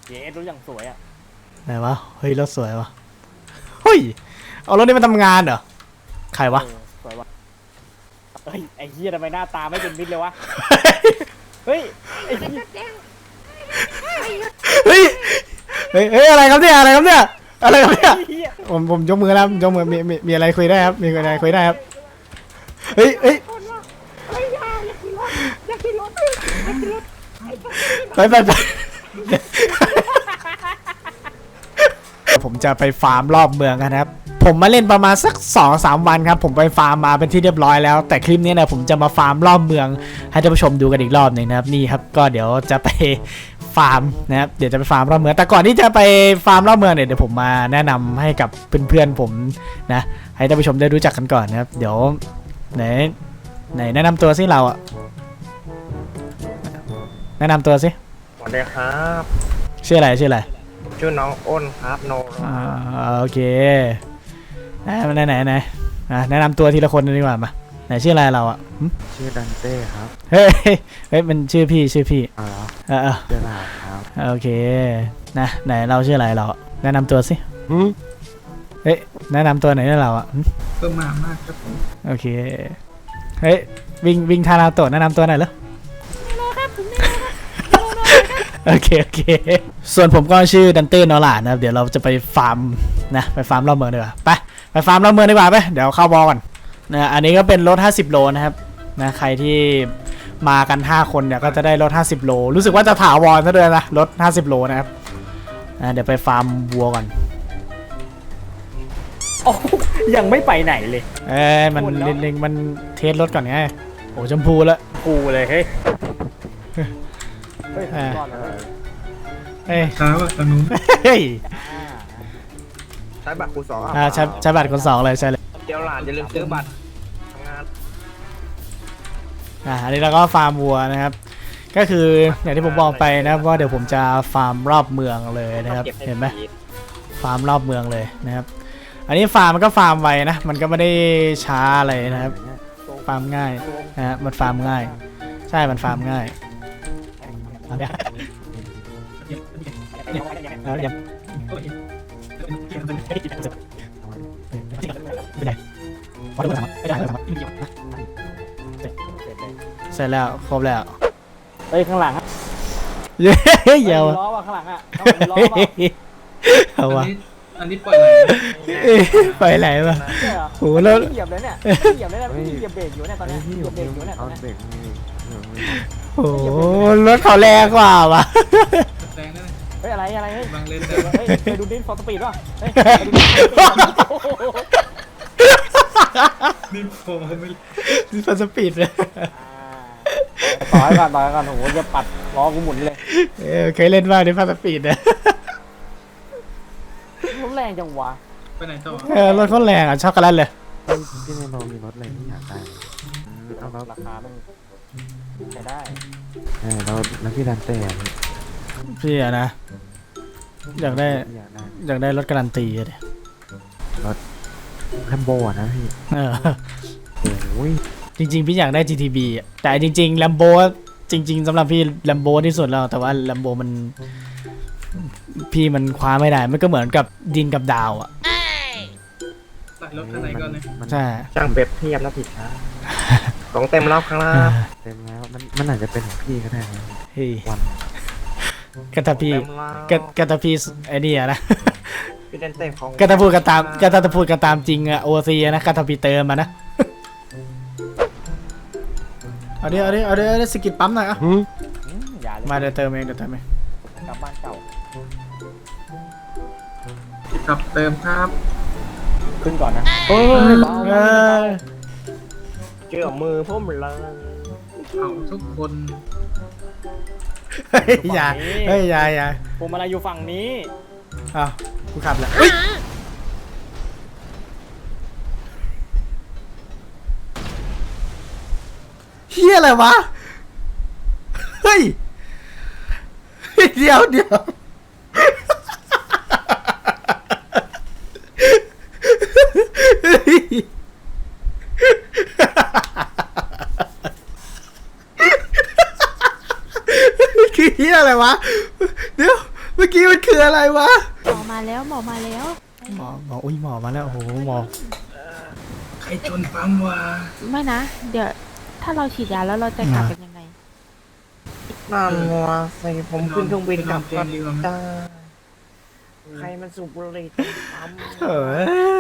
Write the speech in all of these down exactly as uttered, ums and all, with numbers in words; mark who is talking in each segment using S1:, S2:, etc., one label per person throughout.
S1: เย้รถอย่างสวยอ่ะ
S2: ไหนวะเฮ้ยรถสวยวะเฮ้ยเอารถนี้มาทำงานเหรอใครวะ
S1: สวยวะเฮ้ยไอ้เหี้ยทำไมหน้าตาไม่เป็นมิตรเลยวะเฮ้ยไอ้เหี้ย
S2: เฮ้ยเฮ้ยเฮ้ยอะไรครับเนี่ยอะไรครับเนี่ยอะไรครับเนี่ยผมผมยกมือแล้วยกมือมีมีมีอะไรคุยได้ครับมีอะไรคุยได้ครับเฮ้ยเฮ้ยไปไปไปผมจะไปฟาร์มรอบเมืองกันครับผมมาเล่นประมาณสัก สองถึงสาม วันครับผมไปฟาร์มมาเป็นที่เรียบร้อยแล้วแต่คลิปนี้นะผมจะมาฟาร์มรอบเมืองให้ท่านผู้ชมดูกันอีกรอบหนึ่งนะครับนี่ครับก็เดี๋ยวจะไปฟาร์มนะครับเดี๋ยวจะไปฟาร์มรอบเมืองแต่ก่อนที่จะไปฟาร์มรอบเมืองเนี่ยเดี๋ยวผมมาแนะนำให้กับเพื่อนๆผมนะให้ท่านผู้ชมได้รู้จักกันก่อนนะครับเดี๋ยวไหนไหนแนะนำตัวสิเราอะแนะนำตัวสิ
S3: สวัสดีครับ
S2: ชื่ออะไรชื่ออะไร
S3: ชื่อน้องอ้นครับโน
S2: อ่าโอเคไหนไหนไหนไหนแนะนำตัวทีละคนดีกว่ามาไหนชื่ออะไรเราอ่ะ
S3: ชื่อดันเต้ครับ
S2: เฮ้ยเฮ้ยมันชื่อพี่ชื่อพี่
S3: อ๋อ
S2: เออ
S3: เชื่อลาครับ
S2: โอเคนะไหนเราชื่ออะไรเราแนะนำตัวสิเฮ้ยแนะนำตัวไหนเราอ่ะ
S4: เพิ่มมามากครับผม
S2: โอเคเฮ้ยวิ่งวิ่งทาราโตะแนะนำตัวหน่อยเหรอโอเคโอเคส่วนผมก็ชื่อดันเต้นอล่านะครับเดี๋ยวเราจะไปฟาร์มนะไปฟาร์มรอบเมืองดีกว่าไปไปฟาร์มรอบเมืองดีกว่าไปเดี๋ยวเข้าบอลก่อนนะอันนี้ก็เป็นรถห้าสิบโลนะครับนะใครที่มากันห้าคนเนี่ยก็จะได้รถห้าสิบโลรู้สึกว่าจะถาวรซะด้วยนะรถห้าสิบโลนะครับนะเดี๋ยวไปฟาร์มวัวก่อน
S1: โอ้ยังไม่ไปไหนเลย
S2: เอ้ยมันเล็งๆมันเทสรถก่อนไงโอ้ชมพูแล้ว
S1: กูเลยเฮ้ย
S2: เฮ้ย
S4: เฮ้ยช้าว่ะตอนนู้น
S2: เฮ้ย
S3: ใช้บัตรคูณสอง
S2: อ่าใช้ใช้บัตรคนสองเลยใช่เลย
S3: เดี๋ยวหลานอย่าลืมซื้อบัตรทำงาน
S2: อ่าอันนี้เราก็ฟาร์มวัวนะครับก็คืออย่างที่ผมบอกไปนะว่าเดี๋ยวผมจะฟาร์มรอบเมืองเลยนะครับเห็นไหมฟาร์มรอบเมืองเลยนะครับอันนี้ฟาร์มมันก็ฟาร์มไวนะมันก็ไม่ได้ช้าอะไรนะครับฟาร์มง่ายนะฮะมันฟาร์มง่ายใช่มันฟาร์มง่ายเอาเนี่ยเอาเนี่ยเสร็จแล้วครบแล้ว
S1: เฮ้ยข้างหลัง
S2: เย้เยาว
S1: ล้อว่ะข้างหลังอ่ะล้อว่ะ
S2: เอาวะ
S4: อันนี้ปล่อยไหล
S2: ปล่อยไหลวะโอ้โหรถ
S1: เหยียบเลยเนี่ยเหยียบเลยนะเหยียบเบรกอยู่เนี่ยตอนนี้เหยียบเบรกอยู่เนี่ยตอนนี้
S2: โอ้โหรถเขาแรงกว่าวะ
S4: แรงได้ไหม
S1: เฮ้ยอะไรอะไรเฮ้ย
S4: บางเลน
S1: เฮ้ยไปดูดินฟอร์สปีดป่ะเฮ้ย
S4: นี่โผล่ไม่
S2: นี่ฟอร์สปีดเลย
S1: ต่อยก่อนต่อยก่อนโอ้โหจะปัดล้อกูหมุนเลย
S2: เออเคยเล่นบ้างนี่ฟอร์สปีดนะ
S1: รถแรงจังวะ
S4: ไปไหนต่อ
S2: เออรถเขาแรงอ่ะชอบกันแล้วเลย
S3: พี่ในโรงมีรถอะไรที่อยากได้
S1: เอารถราคาต้องใช้ได้
S3: เออเราแล้วพี่ดันเต้
S2: พี่อะนะอยากได้อยากได้รถการันตีเลย
S3: รถแลมโบนะพี่
S2: เออ
S3: โอ้ย
S2: จริงๆพี่อยากได้ จี ที บี อ่ะแต่จริงๆ Lambo จริงๆสำหรับพี่ Lambo ที่สุดแล้วแต่ว่า Lambo มันพี่มันคว้าไม่ได้มันก็เหมือนกับดินกับดาวอ่ะ
S4: ใส่รถข้างในก่อนเลย
S2: ใช่
S3: ช่างเปรียบเทียบแล้วผิดครับของเต็มรอบข้างล่างเต็มแล้วมันมันอาจจะเป็นของพี่ก็ได้นะ
S2: เฮ้ย
S3: วัน
S2: กระทาพี่กระทาพี่ไอ้นี่อะนะ
S3: พี่เต้นเต้นของ
S2: กระทาพูดกันตามกระทาพูดกันตามจริงอะโอซีนะกระทาพี่เติมมานะเอาดิเอาดิเอาดิเอาดิสกิดปั๊มหน่อยอ่ะมาเดี๋ยวเติมเองเดี๋ยวเติมเอง
S1: กลับบ้านเก่า
S4: ขับเติมครับ
S1: ขึ้นก่อนนะ
S2: โอ้ย
S3: เกี่ยวมือพุ่มเลย
S4: เอาทุกคน
S2: เฮ้ยอย่าเฮ้ยอย่าอย่า
S1: ผมอะไรอยู่ฝั่งนี้
S2: อ้าวกูขับแล้วเฮียอะไรวะเฮ้ยเดี๋ยวเดี๋ยวคือเฮียอะไรวะเดี๋ยวเมื่อกี้มันคืออะไรวะ
S5: หมอมาแล้วหมอมาแล้ว
S2: หมอหมออุ้ยหมอมาแล้วโอ้โหหมอ
S4: ใครชนปั๊มวะ
S5: ไม่นะ เดี๋ยวถ้าเราฉีดยาแล้วเราจะกลับกันยังไง
S3: นั่นวะสิผมขึ้นเครื่องบินกลับ
S4: เตีย
S3: กั
S4: ง
S3: น
S4: ดีกว่าไหม
S3: จ้าใครมันสูบบุหรี่ตรงปั๊ม
S2: เออ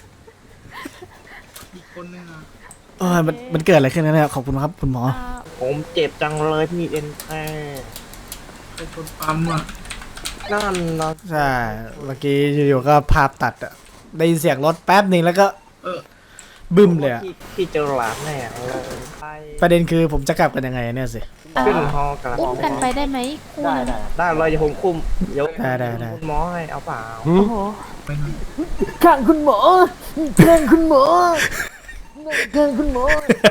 S4: อีกคนนึงอ่ะ
S2: เออมันมันเกิดอะไรขึ้นนะเนี่ยขอบคุณครับคุณหมอ
S5: อ่า
S3: ผมเจ็บจังเลยพี่เอ็นแท้
S4: ใครชนปั๊มอ่ะ
S3: นั่นนะ
S2: ใช่เมื่อกี้อยู่ๆก็ภาพตัดอะได้ยินเสียงรถแป๊บหนึ่งแล้วก็
S4: เออ
S2: บึ้มเลยอะ
S3: พี่พี่เจอหลานแน่เลยไป
S2: ประเด็นคือผมจะกลับกันยังไงเนี่ยสิ
S5: เอ่
S3: ขึ้น
S5: อ
S3: ฮอกระ
S5: อุ้มกันไปได้ไหมคู่
S1: ได้
S5: หนึง
S1: ได้
S3: ได้เลยเดี๋ยวผมคุมเดี๋ยว
S2: ได้ได้ได้
S3: คุณหมอให้เอาเปล่า
S5: โอ้โห
S4: ไปหน่อย
S1: ข้างคุณหมอข้างคุณหมอข้างคุณหมอ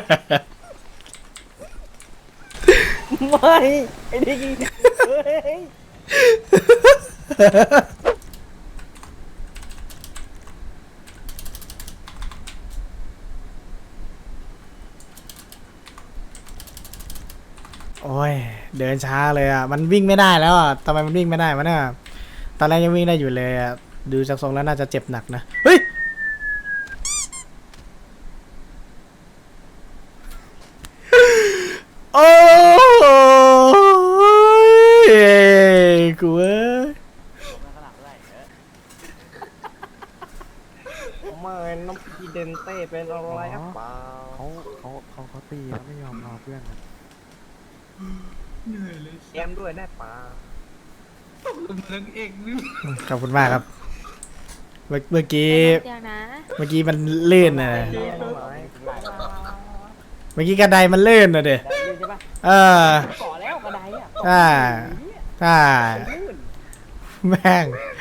S1: ไม่ไอ้นี่เฮ้ย
S2: โอ้ยเดินช้าเลยอ่ะมันวิ่งไม่ได้แล้วอ่ะทำไมมันวิ่งไม่ได้วะเนี่ยตอนแรกยังวิ่งได้อยู่เลยอ่ะดูจากทรงแล้วน่าจะเจ็บหนักนะเฮ้ยโอ้ยกูเอ้ย
S3: ไม่น้องพีเดนเต้เป็นอะไรหรือเปล่า
S6: เขาเขาเขาเขาตีแล้วไม่ยอมรอเพื่อนนะ
S4: เหนื่อยเลย
S3: แอมด้วยได้เปล่า
S4: ตกลงนังเอกนี่
S2: ขอบคุณมากครับเมื่อเมื่อกี้
S5: เดี๋ยวนะ
S2: เมื่อกี้มันลื่นนะ
S3: ได้ไหม
S2: เมื่อกี้กระไดมันลื่นนะเด็
S1: ได้เลยใช่ปะ
S2: เออ
S1: ก่อแล้วกระไดอ่ะ
S2: ใช่ใช่แม่ง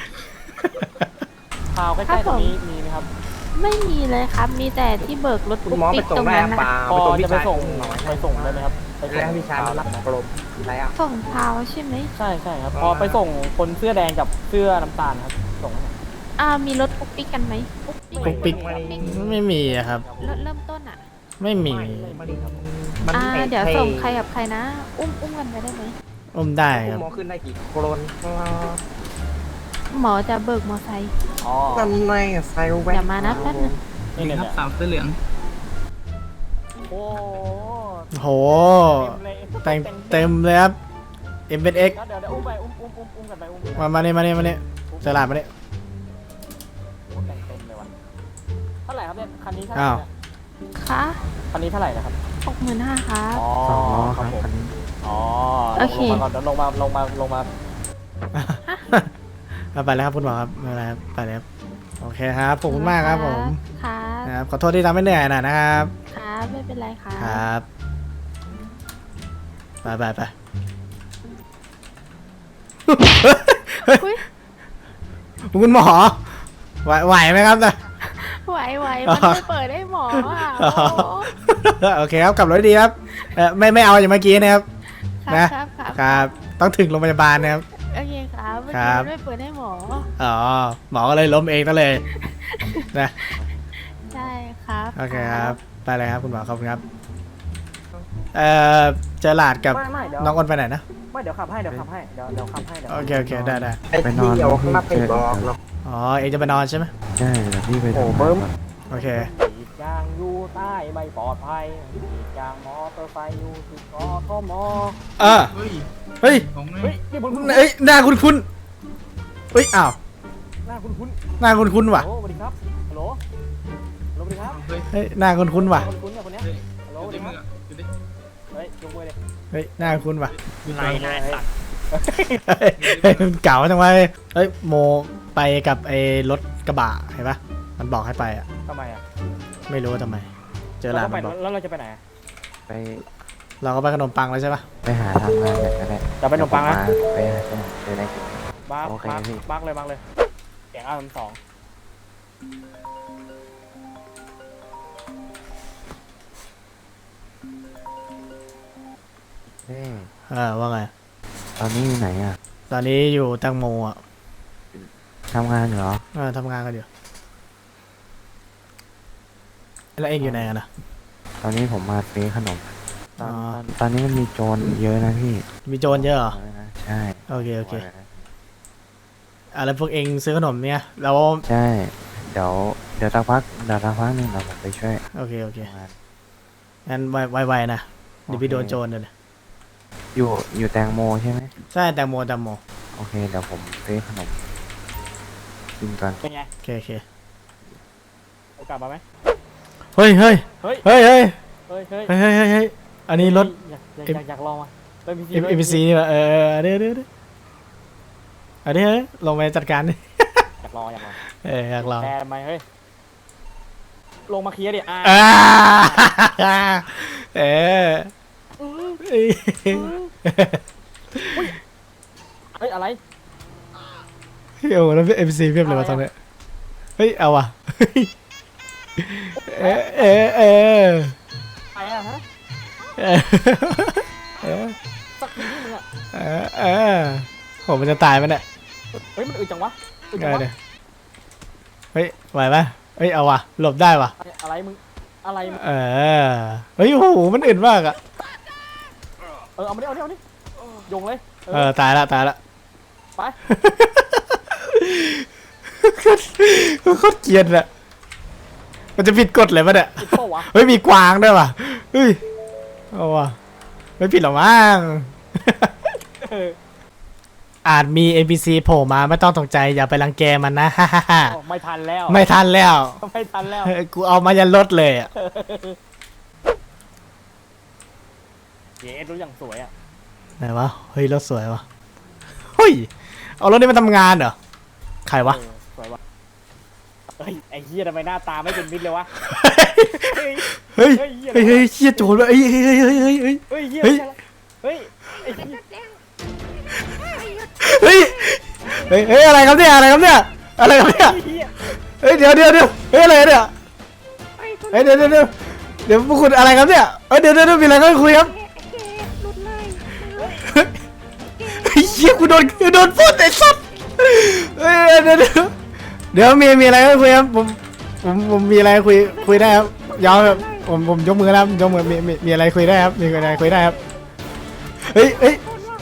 S1: พาวใกล้ๆตรงนี้มีไหมครับ
S5: ไม่มีเลยครับ มีแต่ที่เบิกรถ
S3: คุณ
S5: ปุ๊ก
S3: หมอไป
S5: ปิ๊ก
S3: ส่ง
S5: ตรง
S3: ได้
S5: นั้น
S3: เป
S5: นะ
S3: ล่า
S1: พอ
S3: ไปส่ง
S1: จะ
S3: พี่
S1: ไป
S3: ชาย
S1: ส่ง
S3: หน่อย
S1: ไปส่งได้ไหมครับไปส่ง
S3: แล้วพี่ชายมารับกลมอะไรอ่ะ
S5: ส่งพาวใช่ไหม
S1: ใช่ใช่ครับพอไปส่งคนเสื้อแดงกับเสื้อน้ำตาลครับส่งให้หน่อย
S5: อ่ามีรถปุ๊กปิ๊กกันไหมปุ๊กปิ๊ก
S2: ปุ๊กปิ๊ก
S5: ปุ๊กปิ๊ก
S2: ไม่มีอะครับ
S5: รถเริ่มต้นอ่ะ
S2: ไม่มี
S3: มัน
S5: อ่า
S3: ไม่
S5: เดี๋ยว
S3: ท่
S5: ส่งใครกับใครนะ อุ้มอุ้มกันไปได้ไหม
S2: อุ้มได้
S3: คุ
S2: ค
S3: ณ
S2: รับ
S3: หมอขึ้นได้กี่โครนครับ
S5: หมอจะเบิกมอไซค์
S1: อ๋อ
S3: นั่นไงไซแวน
S5: เดี๋ยวมานะแป๊บนึง
S1: นี่เนี่ย
S4: ครับสามเสื้อเหลือง
S1: โอ้
S2: โห
S1: เต็มเลย
S2: แต่งเต็มเลยครับ เอ็ม เอ็ก
S1: เดี๋ยวเดี๋ยวอุ้มไปอุ้มอุ้มอุ้มอุ้มกันไปอุ้ม
S2: มามาเนี่ยมาเนี่ยมาเนี่ยเจอหลาดมาเนี่ย
S1: แต่งเต็มเลยวะเท่าไหร่ครับเนี่ยคันนี้เท่าไห
S2: อ้า
S1: ร่
S2: ว
S1: เนี่ย
S5: คะ
S1: คันนี้เท่าไหร่นะครับ
S5: หกหมื่นห้าครับ
S1: อ๋อ
S6: สองล้อ
S1: ค
S6: ค
S1: รั
S6: รั
S1: บบ ผม
S6: คันนี้
S1: อ๋อ
S5: โอเค
S1: ลงมาก่อนเดี๋ยวลงมาลงมาลงมา
S2: เอาไปแล้วครับคุณหมอครับไม่เป็นไรครับไปแล้วครับโอเคครับขอบคุณมากครับผม
S5: ครับ
S2: นะครับขอโทษที่ทำให้เหนื่อยหน่อยนะครับ
S5: ครับไม่เป็นไรครับ
S2: ครับไปไปไป
S5: อุ๊ย
S2: คุณหมอไหวไหวไหมครับนะ
S5: ไหวไหวมันไม่เปิดให้หมออ่ะ
S2: อ๋อ
S5: โอ้
S2: โอเคครับกลับรถดีครับเออไม่ไม่เอาอย่างเมื่อกี้นะครับ
S5: ครับ
S2: นะ
S5: ครับครับ
S2: ครับ ต้องถึงโรงพยาบาลนะครับ
S5: โอเคครับเมื่อ
S2: ครั
S5: กี้
S2: บ
S5: มันไม่เปิดให้หมอ
S2: อ๋อหมอก็เลยล้มเองซะเลยนะ
S5: ใช่ครับ
S2: โอเคครับไปเลยครับคุณหมอขอบคุณครับเอ่อเจอหลาดกับ
S1: ไม่ไม่เดี๋ยว
S2: น้องอ้นไปไหนนะ
S1: ไม่เดี๋ยวขับให้เดี๋ยวขับให้เดี๋ยวเดี๋ยวขับให้เดี๋ยว
S2: โอเคโอเคได้ได้
S3: ไอ้ที่เดียวข้างหน้าไปบอกหรอก
S2: อ๋อเองจะไปนอนใช่ไหม
S6: ใช่เดี๋ยวพี่ไป
S3: โอ้
S6: ทำ
S3: เบิ้
S6: งาน
S3: ม
S6: ก่อน
S2: โอเค
S1: กรีดยางอยู่ใต้ไม่ปลอดภัยกรีดยางมอเตอร์ไซค์อยู่ที่กทม
S2: เออ
S4: เฮ้ย
S2: เฮ้ย
S4: ของไง
S1: เฮ้ยนี่บุญคุณ
S2: เอ้ยหน้าคุณคุณเฮ้ยอ้าว
S1: หน้าคุณคุณ
S2: หน้าคุณคุณว่ะ
S1: โอ้สวัสดีครับฮัลโหลฮัลโหลสวัสดีครับ
S4: เฮ้ย
S2: เฮ้ยหน้าคุณคุณว่ะ
S1: คุณคุณเนี่ยคนเนี้ย
S4: เฮ้ย
S1: ฮัลโหล
S4: อ
S1: สวั
S4: ยู่
S1: ส
S4: ใน
S1: ดีค
S4: มื
S1: รับ
S4: ออยู่ดิ
S1: เฮ้ยยกมือเลย
S2: เฮ้ยหน้าคุณว่ะ
S4: อยู่
S1: ไรนายสัตว์
S2: เฮ้ยเฮ้ยมันเก่าจังวะเฮ้ยโมไปกับไอ้รถกระบะเห็นปะมันบอกให้ไปอ่ะ
S1: ทำไมอ่ะ
S2: ไม่รู้ว่าทำไม เจอหลาน
S1: เรา
S2: มันบอก
S1: ไปแล้วเราจะไปไหน
S6: ไป
S2: เราก็ไปขนมปังแล้วใช่ปะ
S6: ไปหาทำงานกันก็ได้
S1: จะไปขนมปังนะ
S6: เดี๋ยวผมมาไปหาขนมไปได้กิน
S1: บ้า
S6: โอเค
S1: บ้า
S6: พี่
S1: บ้าเลยบ้าเลยเสียงอาร์มสอง
S6: เฮ้ย
S2: เออว่าไง
S6: ตอนนี้อยู่ไหนอ่ะ
S2: ตอนนี้อยู่แตังโมอ่ะ
S6: ทำงานอยู่เหรอ
S2: เออทำงานกันอยู่แล้วเองอยู่ไหนกันนะ
S6: ตอนนี้ผมมาซื้อขนมตอน
S2: อ๋อ
S6: ตอนตอนนี้มันมีโจรเยอะนะพี่
S2: มีโจรเยอะเหรอ
S6: บอกเลยนะใช่
S2: โอเคโอเค
S6: บอกเลยนะ
S2: อะไรพวกเองซื้อขนมเนี่ยแล้ว
S6: ใช่เดี๋ยวเดี๋ยวสักพักเดี๋ยวสักพักหนึงเราผมไปช่วย
S2: โอเคโอเค
S6: ทำงาน
S2: งั้นไวๆนะเดี๋ยวพี่โดนโจรเลย
S6: อยู่อยู่แตงโมใช่ไหม
S2: ใช่แตงโมแตงโม
S6: โอเคเดี๋ยวผมซื้อขนมกินก่อน
S1: เป็นไง
S2: โอเคโอเค
S1: โอกาสมาไหม
S2: เฮ้ยเฮ้ย
S1: เฮ้ย
S2: เฮ้ยเฮ้ย
S1: เฮ้ยเฮ้ย
S2: เฮ้ยเฮ้ยเฮ้ยเฮ้ยอันนี้รถ
S1: อยากอยากอยากอยากลองอ่ะเฮ้ยพี่
S2: เอ็มซีนี่ป่ะเออเออเดี๋ยวเดี๋ยวเดี๋ยวอันนี้เฮ้ยลงไปจัดการดิ
S1: อยากลองอยากลอง
S2: เอออยากลอง
S1: แต่ทำไมเฮ้ยลงมาเคลียร์ดิอ่า
S2: อ่าเออเอ้ย
S1: เฮ้ยอะไร
S2: เฮ้ยโอ้แล้วเอ็มซีเพียบเลยวะตอนเนี้ยเฮ้ยเอาว่ะเออเออเออ
S1: ไปอ่ะฮะ
S2: เออเออ
S1: สักทีนี่มึงอ่ะ
S2: เออเออโหมันจะตายมันเนี่ย
S1: เฮ้ยมันอึดจังวะอึด
S2: เอ
S1: จัง
S2: อ
S1: วะ
S2: เดี๋ยวเฮ้ยไหวปะเฮ้ยเอาว่ะหลบได้ว่ะ
S1: อะไรมึงอะไรมึง
S2: เออเฮ้ยโอ้โหมันอึดมากอะ
S1: เออเอามาดิเอาดิเอาดิโยงเลย
S2: เออตายละตายละ
S1: ไป
S2: โคตรโคตรเกรียนอะมันจะผิดกฎเลยปะเนี่ย
S1: ติดโป้วะ
S2: เฮ้ยมีกวางด้วยว่ะเฮ้ยเอาว่ะไม่ผิดหรอกมั้ง
S1: เออ
S2: อาจมี เอ็น พี ซี โผล่มาไม่ต้องตกใจอย่าไปรังแกมันนะ ฮ่าฮ่าฮ่า
S1: อ๋อไม่ทันแล้ว
S2: ไม่ทันแล้ว
S1: ไม่ทันแล้ว
S2: เฮ้ยกูเอามายันรถเลยอะ
S1: เย้รู้อย่างสวยอ่ะ
S2: ไหนวะเฮ้ยรถสวยวะเฮ้ยเอารถนี้มาทำงานเหรอใครวะ
S1: เออสวยวะเฮ้ยไอ้เหี้ยทำไมหน้าตาไม่เป็นมิตรเลยวะ เฮ้ย
S2: เฮ้ย
S1: เฮ้ยเหี้ย
S2: เฮ้ยเฮ้ยเชี่ยโจรวะเฮ้ยเฮ้ยเฮ้ยเฮ้ยเฮ้ยเฮ้ย
S1: เฮ้ยเหี้ย
S2: เฮ้ย
S1: เฮ้ยไอ้เหี้ย
S2: เฮ้ยเฮ้ยเฮ้ยอะไรครับเนี่ยอะไรครับเนี่ยอะไรครับเนี่ย
S1: เหี้ย
S2: เฮ้ยเดี๋ยวเดี๋ยวเดี๋ยวเฮ้ยอะไรเนี่ยเฮ้ยเดี๋ยวเดี๋ยวเดี๋ยวเดี๋ยวพวกคุณอะไรครับเนี่ยเฮ้ยเดี๋ยวเดี๋ยวเดี๋ยวมีอะไรก็คุยครับเฮ้ยเชี่ยกูโดนกูโดนพูดไอ้สัสเฮ้ยเดี๋ยวเดี๋ยวเดี๋ยวมีมีอะไรก็คุยครับผมผมผมมีอะไรคุยคุยได้ครับยาวครับผมผมยกมือแล้วยกมือมีมีมีอะไรคุยได้ครับมีอะไรคุยได้ครับเฮ้ยเฮ้ย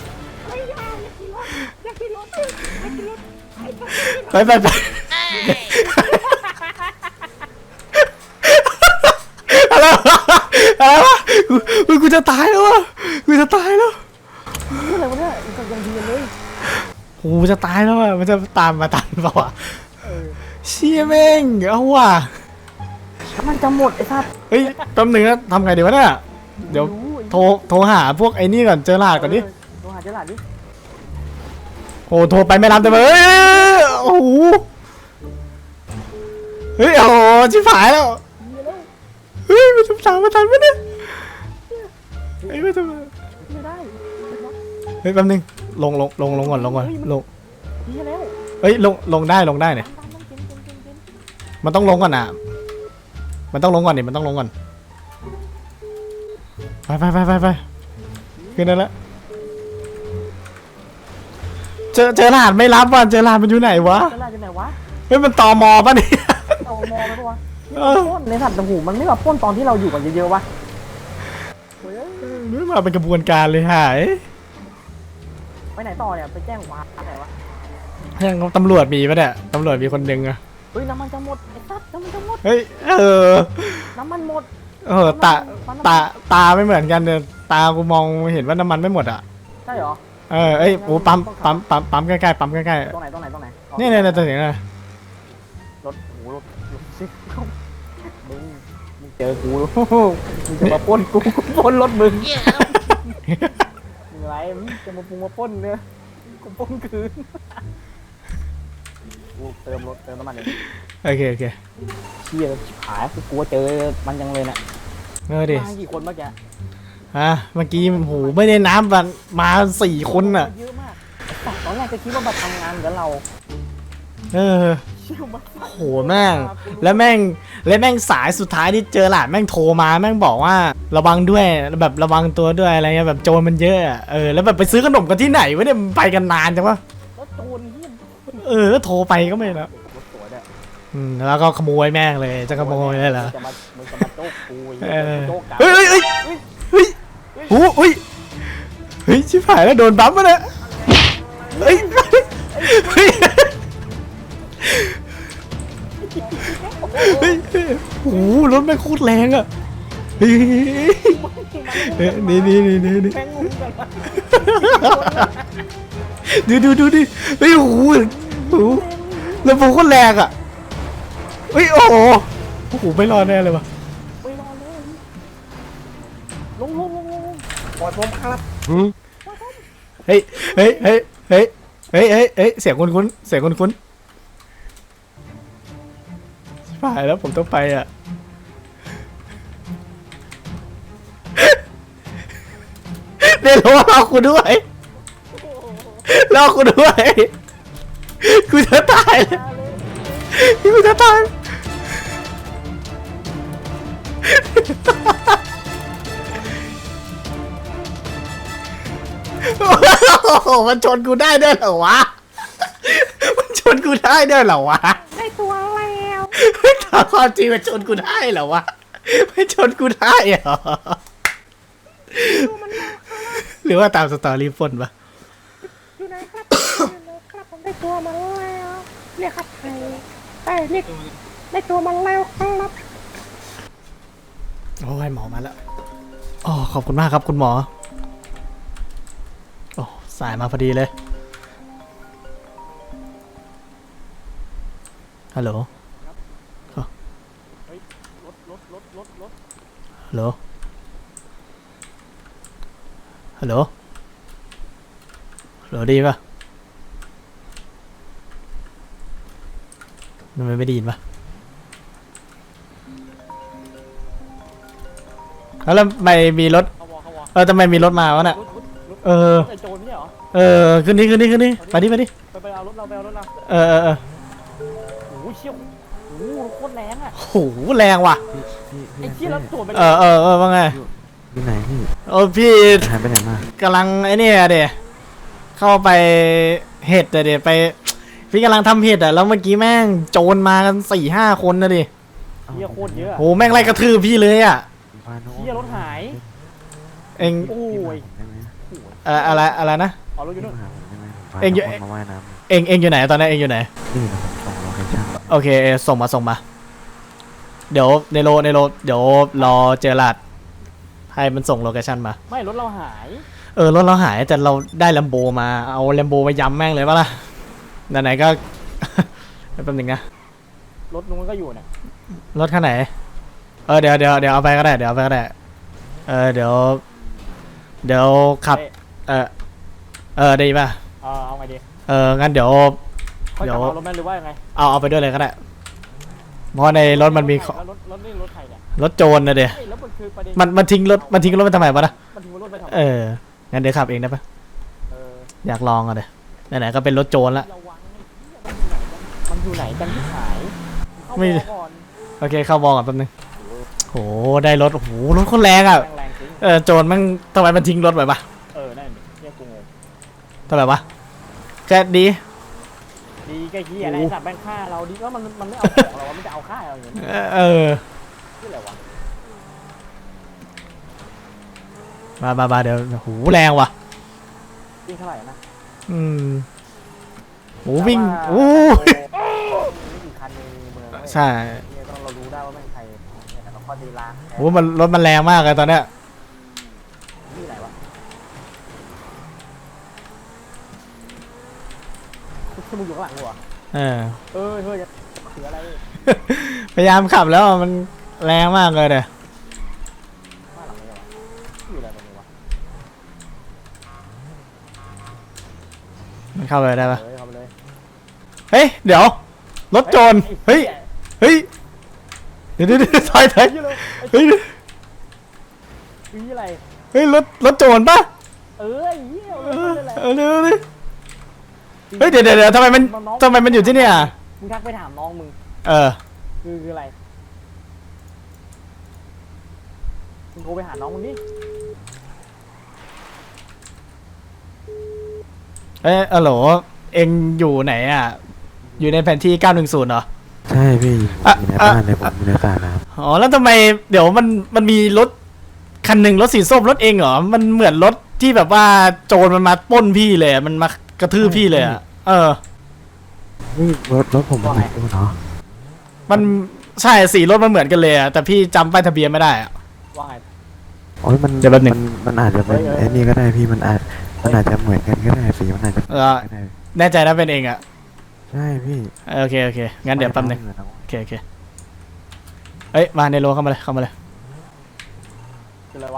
S2: ไปไปไปอะไรวะอะไรวะกูกูกูจะตายแล้ววะกูจะตายแล้ว
S1: อะไรวะเนี่ยยังดีเลย
S2: กูจะตายแล้วอ่ะมันจะตามมาตามเปล่าวะเชี่ยแม่งเอาว่ะ
S1: มันจะหมดไอ้สัส
S2: เฮ้ยแป๊บนึงนะทำไงดีวะเนี่ยเดี๋ยวโทรโทรหาพวกไอ้นี่ก่อนเจอหลาดก่อนดิ
S1: โทรหาเจอหลาดดิ
S2: โอ้โทรไปไม่รับแต่เฮ้ยโอ้โหเฮ้ยโอ้โหชิบหายแล้วเฮ้ยมันจะตามมาทันไหมเนี่ยเฮ้ยมันจะมา
S1: ไม่ได้
S2: เฮ้ยแป๊บนึงลงลงลงลงก่อนลงก่อนลง
S1: เหี้ยแล้ว
S2: เฮ้ยลงลงได้ลงได้เนี่ยมันต้องลงก่อนอ่ะมันต้องลงก่อนนี่มันต้องลงก่อนไปไปไปไปไปขึ้นได้แล้วเจอเจอรหัสไม่รับว่ะเจอรหัสมันอยู่ไหนวะ
S1: เจอหลาดอยู่ไหนวะ
S2: เฮ้ยมันตอมอป่ะเนี่ย
S1: เอามอไปปะวะปล้นในสัตว์หูมันไม่แบบปล้นตอนที่เราอยู่กันเยอะๆวะ
S2: ไม่มาเป็นกระบวนการเลยหาย
S1: ไปไหนต่อเนี่ยไปแจ้งความไหนวะ
S2: ยังตำรวจมีปะเนี่ยตำรวจมีคนหนึ่งอะ
S1: เฮ้ยน้ำมันจะหมดไอ้สัตว์น้ำมันจะหมด
S2: เฮ้ยเออ
S1: น้ำมันหมด
S2: เออตาตาตาไม่เหมือนกันเนี่ยตากูมองเห็นว่าน้ำมันไม่หมดอ่ะ
S1: ใช่เหรอ
S2: เออเอ้ยโอ้ปั๊มปั๊มปั๊มปั๊มใกล้ๆปั๊มใกล้
S1: ตรงไหนตรงไหนตรงไหน
S2: ๆเนี่ยเนี่ยเนี่ยตัวไหนน่ะ
S1: รถโหรถรถซิมึงมึงเจอกูมึงจะมาปล้นกูกูปล้นรถมึงมึงอะไรมึงจะมาปุงมาปล้นเนี่ยกูปล้นคืนกูเติมรถเติมน้ำมันเลย
S2: โอเคโอเค
S1: เชี่ยชิบหายกูกลัวเจอมันยังเลยเนี่ย
S2: เออดิ
S1: มากี่คนเมื่อกี้
S2: ฮะเมื่อกี้โหไม่ได้น้ำมันมาสี่คนอ่ะ
S1: เยอะมากไอ้สัตว์ตอนแรกจะคิดว่ามาทำงานกับเรา
S2: เออ
S1: เชี่ยมาก
S2: โหแม่งแล้วแม่งแล้วแม่งสายสุดท้ายที่เจอหลานแม่งโทรมาแม่งบอกว่าระวังด้วยแบบระวังตัวด้วยอะไรเงี้ยแบบโจรมันเยอะอะเออแล้วแบบไปซื้อขนมกันที่ไหนวะเนี่ยมันไปกันนานจังวะ
S1: แล้วโจรเฮี้ย
S2: เออแล้วโทรไปก็ไม่แล้ว
S1: รถสวยด้วย
S2: อืมแล้วก็ขโมยแม่งเลยจะขโมยเลยเหรอ
S1: จะมามึงจะมาโจ๊กกู
S2: เออ
S1: โจ๊กกัน
S2: เฮ้ยเฮ้ยเฮ้ยเฮ้ยโอ้เฮ้ยเฮ้ยชิบหายแล้วโดนบัมป์มาเนี่ยเฮ้ยเฮ้ยแม่งโคตรแรงอ่ะเฮ้ยเฮ้ยนี่นี่นี่นี่นี่
S1: แม่งงงกันวะ
S2: ดูดูดูดิเฮ้ยโอ้โหโอ้โหแล้วผมโคตรแรงอ่ะเฮ้ยโอ้โหโอ้โหไม่รอดแน่เลยวะ
S1: ไม่รอเลยลงลงลงลง
S3: ปล่อยผมครับ
S2: เฮ้ยเฮ้ยเฮ้ยเฮ้ยเฮ้ยเฮ้ยเฮ้ยเสียงคุ้นคุ้นเสียงคุ้นคุ้นชิบหายแล้วผมต้องไปอ่ะเดี๋ยวรอคุณด้วยรอคุณด้วยกูจะตายแล้วกูจะตายโอ้โหมันชนกูได้ด้วยเหรอวะมันชนกูได้ด้วยเหรอวะ
S5: ได้ตัวแล้ว
S2: ถามความจริงมันชนกูได้เหรอวะไม่ชนกูได้เหรอหรือว่าตามสตอรี่ฝนปะ
S5: อยู่ไหนครับอยู่ไหนครับผมได้ตัวมาแล้วเรียกครับใครเอ้ยเรียกได้ตัวมาแล้วครับ
S2: โอ้ยหมอมาแล้วอ๋อขอบคุณมากครับคุณหมอโอ้สายมาพอดีเลยฮัลโหล
S1: รถรถรถรถรถ
S2: ฮัลโหลฮัลโหลฮัลโหลดีปะทำไมไม่ได้ยินปะแล้วทำไมมีรถ
S1: เขาวอเขาวอ
S2: เออทำไมมีรถมาวะน่ะ
S1: รถรถรถ
S2: เออ
S1: ไอ้โจรไม่ใช่เหรอ
S2: เออขึ้นนี่ขึ้นนี่ขึ้นนี่ไปดิไปดิ
S1: ไปไปเอารถเราไปเอารถเรา
S2: เออเออเออ
S1: โอ้ยเชี่ยวโอ้โหโคตรแรงอ่ะ
S2: โหแรงว่ะ
S3: พี่พี่
S1: ไอ้เชี่ยแล้วตัวเป็น
S2: เออเออเออว่าไง
S3: อยู่ไหนพี่
S2: โอ้พี่
S3: หายไปไหนมาก
S2: ำลังไอ้นี่อะเดเข้าไปเห็ดอะเดไปพี่กำลังทำเห็ดอะแล้วเมื่อกี้แม่งโจรมากันสี่ห้าคนนะดิ
S1: เชี่ยโคตรเยอะอะ
S2: โหแม่งไล่กระทืบพี่เลยอะ
S3: พาน้อง
S1: เชี่ยรถหาย
S2: เอง
S1: โอ้ย
S3: ได้ไหม
S2: อะไรอะไรอะไรนะ
S1: เอารถอยู่
S3: พี่
S1: นู่น
S3: มาหาผมได้ไหมผมพา
S2: เอ็งอยู่
S3: น้องมาว่ายน้ำ
S2: เองเองอยู่ไหนตอนนี้เองอยู่ไหน
S3: นี่นะผมส่งโลเคชั่น
S2: โอเคเอส่งมาส่งมา เดี๋ยวในโลในโลเดี๋ยวรอเจอหลัดให้มันส่งโลเคชั่นมา
S1: ไม่รถเราหาย
S2: เออรถเราหายแต่เราได้แลมโบมาเอาแลมโบไปย้ำแม่งเลยปะล่ะไหนๆก็ แป๊บนึงนะ
S1: รถนู้นก็อยู่เนี่ย
S2: รถคันไหนเออเดี๋ยวเดี๋ยวเดี๋ยวเอาไปก็ได้เดี๋ยวเอาไปก็ได้เออเดี๋ยวเดี๋ยวขับ
S1: เอ้ย
S2: เออเออดีป่ะ
S1: เออเอาไงดี
S2: เอองั้นเดี๋ยว
S1: ค่อย
S2: เดี๋
S1: ก
S2: ย
S1: ลั
S2: ว
S1: บเอารถแม่หรือว่ายังไง
S2: เอาเอาไปด้วยเลยก็ได้เพราะในรถมันมีของ
S1: แล้วรถรถนี่รถใครเนี่ย
S2: รถโจรนะเดี๋ยว
S1: เอ้ยแล้วมันคือประเด็น
S2: มันมันทิ้งรถมันทิ้งรถไปทำไมวะนะ
S1: มันทิ้งรถไปทำไม
S2: เอองั้นเดี๋ยวขับเองได้ปะ
S1: เออ
S2: อยากลองอ่ะเดี๋ยวไหนๆก็เป็นรถโจรละ
S1: ระวังมันอยู่ไหนกันมันอยู่ไหนกันที่หายเข้า
S2: ไม่
S1: วอก่อน
S2: โอเคเข้าวองก่อนแป๊บนึงโหได้รถโอ้โหรถโคนแรงอ่ะ
S1: แรงๆจริง
S2: เออโจรมันทำไมมันทิ้งรถไปปะ
S1: เออนั่นดิเนี่ยกูงง
S2: ทำไมวะแค่ดี
S1: ดีก็เฮียอะไรสัตว์แบงค่าเราดีก็มันมันไม่เอาของเราวะมันจะเอาค่าเราอย่างนี้
S2: เออเออ
S1: ที่อะไรวะ
S2: มามามาเดี๋ยวโหแรงว่ะ
S1: วิ่งเท่าไหร่นะ
S2: อืมโหวิ่งโอ้
S1: ไม่กี่คันในเมืองเว้ย
S2: ใช่
S1: เนี่ยต้องเรารู้ได้ว่าแม่งใครเนี่ยแต่เราข้อดีล้าง
S2: โหมันรถมันแรงมากเลยตอนเนี้ย
S1: ที่ไหนวะคุณมึงอยู่ข้างหลังกูเหรอ
S2: เออ
S1: เออเฮ้ยจะถืออะไร
S2: พยายามขับแล้วมันแรงมากเลยเด้อ
S1: ข้างหลังเลยวะอยู่อะไรตรงนี้วะ
S2: มันเข้าไปได้ปะ
S1: เฮ้ยเข้าไปเลย
S2: เฮ้ยเดี๋ยวรถโจรเฮ้ยเฮ้ยเดี๋ยวเดี๋ยวเดี๋ยวถอยถอย
S1: เฮ้ยเลย
S2: เฮ้ย
S1: ปีอะไร
S2: เฮ้ยรถรถโจรปะ
S1: เออไอ้เหี้ย
S2: เอ
S1: เอ
S2: อ
S1: อนั่นแหละ
S2: เออเดี๋ยวเดี๋ยวเฮ้ยเดี๋ยวเดี๋ยวเดี๋ยวทำไมมันทำไมมันอยู่ที่เนี่ย
S1: มึงทักไปถามน้องมึง
S2: เออ
S1: คือคืออะไรมึงโทรไปหาน้องมึงดิ
S2: เอ้ยอะโหลเอ็งอยู่ไหนอ่ะอยู่ในแผนที่เก้าหนึ่งศูนย์เหรอ
S3: ใช่พี่อยู่
S2: อ่ะ
S3: ใน
S2: อ่ะ
S3: บ้านเลยผมอยู่ในสระน้
S2: อ๋อแล้วทำไมเดี๋ยวมันมันมีรถคันหนึ่งรถสีส้มรถเองเหรอมันเหมือนรถที่แบบว่าโจรมันมาปล้นพี่เลยอะมันมากระทืบพี่เลยอ่ะเออ
S3: ำนี่รถรถผมมันอีกตัวเนาะ
S2: มันใช่สีรถมันเหมือนกันเลยอะแต่พี่จำป้ายทะเบียนไม่ได้อะ
S1: ว่าไง
S6: โอ้ยมัน
S2: เดี๋ยวแป๊บหนึ่ง
S6: มันมันอาจจะเป็น
S1: เฮ้ยเฮ้ย
S6: ไอ้นี่ก็ได้พี่มันอาจมันอาจจะเหมือนกันก็ได้สีมันอาจจะ
S2: เออ
S6: ก็ได้
S2: แน่ใจนะเป็นเองอะ
S6: ใช่พี่
S2: โอเคโอเคงั้นเดี๋ยวแป๊บนึง
S6: ไม่ได้
S2: โอเคโอเคเอ้ยมาในโลเข้ามาเลยเข้ามาเลย
S1: คืออะไรวะ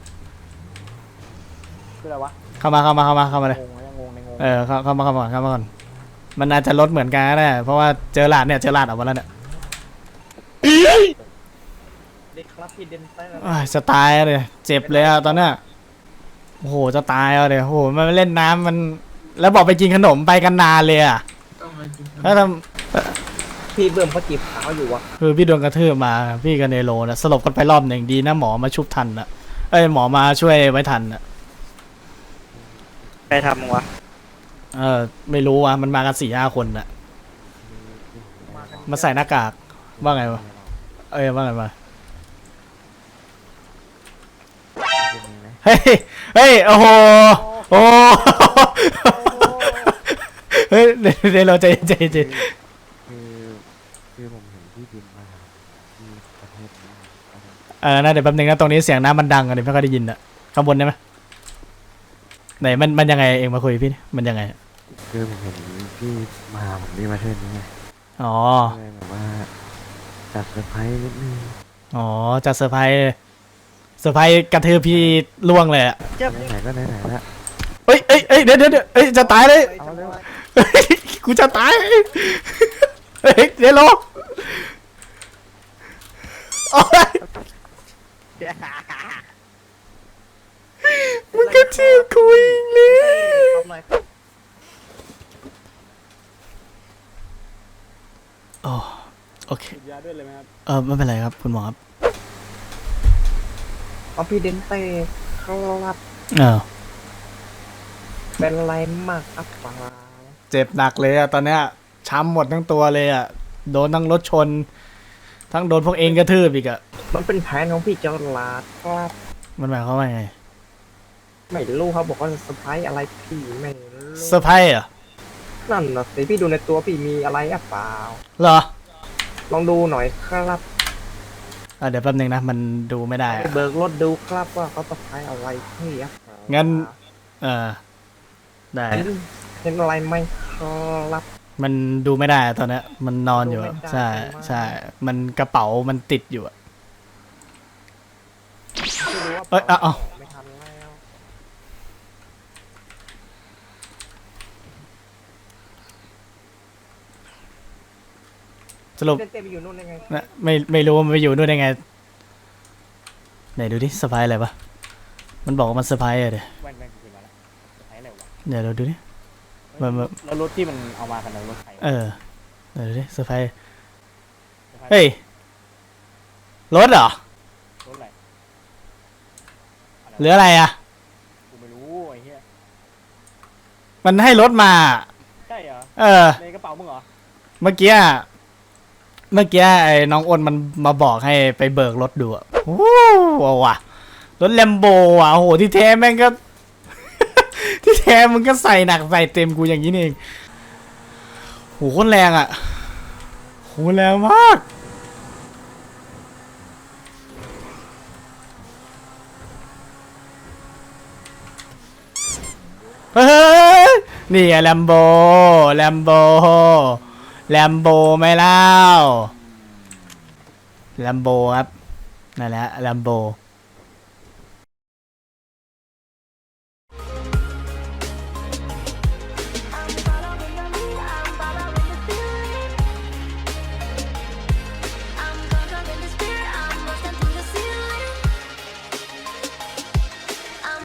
S1: คืออะไรวะ
S2: เข้ามาเข้ามาเข้ามาเข้ามาเลย
S1: งงนะยังงงในงง
S2: เออเข้าเข้ามาเข้ามาก่อนเข้ามาก่อนมันอาจจะลดเหมือนกันก็ได้เพราะว่าเจอหลาดเนี่ยเจอหลาดออกมาแล้วเนี่ย
S3: เด็กครับพี่เดนเตอร์
S2: อ้ายจะตายเลยเจ็บเลยอะตอนเนี้ยโอ้โหจะตายเอาเลยโอ้โหมันเล่นน้ำมันแล้วบอกไปกินขนมไปกันนานเลยอะ
S4: ต้องมากิน
S2: ถ้าท
S3: พี่เบิ่มเขาจีบขาวอยู่วะ
S2: ำคือพี่โดนกระทืบมาพี่กับเนโรนะสลบกันไปรอบหนึ่งดีนะหมอมาชุบทันอะเอ้ยหมอมาช่วยไว้ทันอะ
S3: ใครทำวะ
S2: เออไม่รู้ว่ะมันมากันสี่ห้าคนอะมาใส่หน้ากากว่าไงวะเอ้ยว่าไงมาเฮ้ยเฮ้ยโอ้โหโอ้โหเฮ้ยเดี๋ยวเดี๋ยวเราใจเย็นใจเย็นใจเย็น
S6: คือคือผมเห็นพี่บินมาที่ประเทศนี้
S2: เออนะเดี๋ยวแป๊บนึงนะตรงนี้เสียงน้ำมันดังอะเดี๋ยวไม่ค่อยได้ยินอะข้างบนได้ไหมไหนมันมันยังไงเองมาคุยกับพี่ดิมันยังไง
S6: คือผมเห็นพี่มาหาผมที่ประเทศนี้ไง
S2: อ๋อ
S6: ก็เลยแบบว่าจัดเซอร์ไพรส์นิดนึง
S2: อ๋อจะเซอร์ไพรส์เซอร์ไพรส์กระทืบพี่ล่วงเลยอะ
S6: ไหนๆก็ไหนๆแล้ว
S2: เอ้ยเอ้ยเอ้ยเดี๋ยวเดี๋ยวเดี๋ยวเอ้ยจะตายเลย
S6: เอาเร็ว
S2: เฮ้ยกูจะตายเฮ้ยเดี๋ยวรอโอ๊ยมึงก็ชื่อคุยเลย
S3: ทำไร
S2: โอ้โอเค
S1: ฉีดยาด้วยเลยไหมครับ
S2: เออไม่เป็นไรครับคุณหมอครับ
S3: เอาพี่เดนเต้ครับ
S2: เออ
S3: เป็นไรมากครับเปล่า
S2: เจ็บหนักเลยอะตอนเนี้ยช้ำหมดทั้งตัวเลยอะโดนทั้งรถชน ทั้งโดนพวกเองกระทืบอีกอะ
S3: มันเป็นแผนของพี่เจ้าลาดครับ
S2: มันหมายความว่าไง
S3: ไม่รู้เขาบอกว่าเซอร์ไพรส์อะไรพี่ไม่รู้
S2: เซอร์ไพรส์เหรอ
S3: นั่นนะสิพี่ดูในตัวพี่มีอะไรอ่ะเปล่า
S2: เหรอ
S3: ลองดูหน่อยครับ
S2: อ่ะเดี๋ยวแป๊บนึงนะมันดูไม่ได้
S3: ไป
S2: อะ
S3: เบิกรถดูครับว่าเขาเซอร์ไพรส์อะไรพี่อ่ะเปล่า
S2: งั้น เออได้
S3: เห็นเห็นอะไรไหมครับ
S2: มันดูไม่ได้อะตอนเนี้ยมันนอนอยู่อะ
S3: ดูไม่ได้
S2: ใช่
S3: ใช่ไหม
S2: ใช่ มันกระเป๋ามันติดอยู่อะ
S3: ไม่รู้ว่า
S2: เอ้ยเอาเอา
S3: ไม่ทันแล้ว
S2: สรุป
S3: เต้นเต้นไปอยู่นู่นได้ไง
S2: นะไม่ไม่รู้ว่ามันไปอยู่นู่นได้ไงไหนดูดิเซอร์ไพรส์อะไรปะมันบอกว่ามันเซอร์ไพรส์อะเดี๋ยว
S1: แว่นแว่นคืนมาแล้วใช้อะไรวะ
S2: เดี๋ยวเราดูดิ มันมัน
S1: แล้วรถที่มันเอามากันนะรถใครวะ
S2: เออเดี๋ยวดูดิเซอร์ไพรส์เฮ้ยรถเหรอ
S1: รถอะไร
S2: หรืออะไรอะ
S1: กูไม่รู้ไอ้เหี้ย
S2: มันให้รถมา
S1: ใช่เหรอ
S2: เออ
S1: ในกระเป๋ามึงเหรอ
S2: เมื่อกี้อะเมื่อกี้ไอ้น้องอ้นมันมาบอกให้ไปเบิกรถดูอะโอ้โหว่ะรถแลมโบอ่ะโอ้โหที่แท้แม่งก็ ที่แท้มึงก็ใส่หนักใส่เต็มกูอย่างนี้นี่เองโหโคตรแรงอ่ะโหแรงมากเฮ้ยนี่ไงแลมโบแลมโบแลมโบไม่เล่าแลมโบครับนั่นแหละแลมโบ